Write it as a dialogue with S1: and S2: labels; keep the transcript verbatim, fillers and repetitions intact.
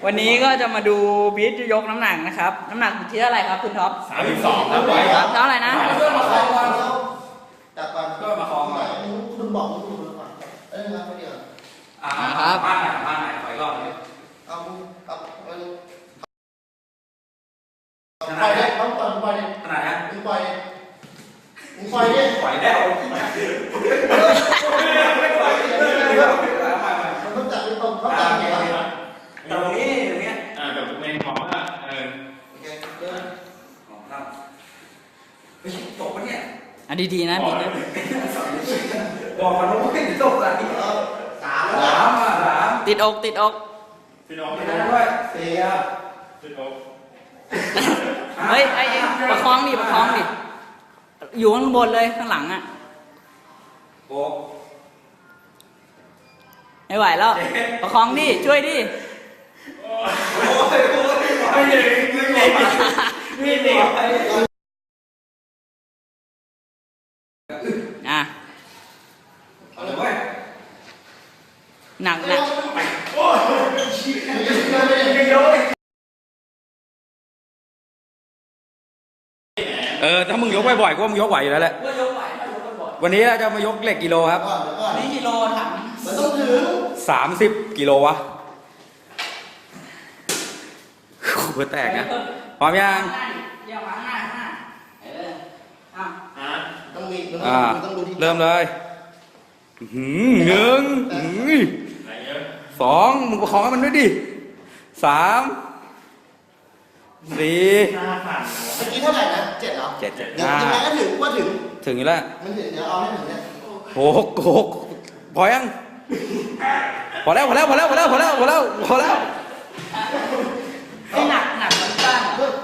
S1: วันนี้ก็จะมาดูบีทยกน้ำหนักนะครับน้ำหนักที่เท่าไหร่ครับคุณท็อป
S2: สามสิบสองครับไหวครับ
S1: เท่าไหร่นะ
S3: เพื่อนมาคล้องก่อนจับก่อน
S2: ก็มาคล้องก่อน
S3: คุณบอกคุณดูก่อนเอ้ยครับเดี๋ยว
S2: อ่าครับบ้านไหนบ้านไหนขออีกรอบนึง
S3: เอาเอาเอาปล่อยเลยต้องปล่อยปล่อยเลย
S2: ขนาดนี้
S3: มึงปล่อยมึงปล่อยดิ
S2: ไหวแล้ว
S3: มันต้องจับตรงเขาจับไงครับ
S2: ตรงนี้ตรงนี้
S4: อ่าแบบเมนของอ่ะเออ
S3: โอเคเดิน
S2: ของเราเฮ้ยตกปะเนี่ย
S1: อ่ะดีๆนะบีทนะ
S2: บอกมันว่าไม่ตกอะไร
S3: สาม
S2: สามอ่ะสาม
S1: ติดอกติดอก
S4: พี่น้อง
S2: ไม่
S4: พี่
S2: ได้
S4: น้อง
S2: ด้วยสี่อ่ะ
S4: พี่น้อง
S1: เฮ้ยไอ้ไอ้ประคองดิประคองดิอยู่ข้างบนเลยข้างหลังอ่ะ
S2: หก
S1: ไม่ไหวแล้วประคองดิช่วยดิ
S2: โอ้ยโอ้ยไม่เด็กไม่เด็กไม่เด็ก
S1: อ่ะ
S2: เอาเลยเว้ย
S1: หนักหนัก
S2: เออถ้ามึงยกบ่อยๆก็มึงยกไหวอยู่แล้วแหละ
S1: ก็ยกไหวถ้ายกบ่อย
S2: วันนี้เราจะมายกเหล็กกิโลครับ
S3: ก่อนเดี๋ยวก่อน
S1: นี่กิโลถัง
S3: มันต้องถึง
S2: สามสิบกิโลวะหัวแตกนะพร้อมยัง
S1: เดี๋ยวมาข้างหน้าข้างหน้าเอออ่ะ
S4: อ่า
S3: ต้องมีมัน
S2: อ่า
S3: ต้องดูที่
S2: เริ่มเลยอื้อหือหนึ่งอื้อ
S4: ไหนเยอะ
S2: สองมึงประคองให้มันด้วยดิสามสี่
S4: หน้าผ่าน
S3: เมื่อกี้เท่าไหร่นะเจ็ดเหรอ
S2: เจ็ดเจ็ด
S3: เดี๋ยว
S2: ห้า
S3: ยังไงก็ถึงว่าถึง
S2: ถึงอยู่แล้ว
S3: มันถึงเดี๋ยวเอาให้ถึงเนี่ย
S2: หกหกพอยังพอแล้วพอแล้วพอแล้วพอแล้วพอแล้วพอแล้วพอแล้ว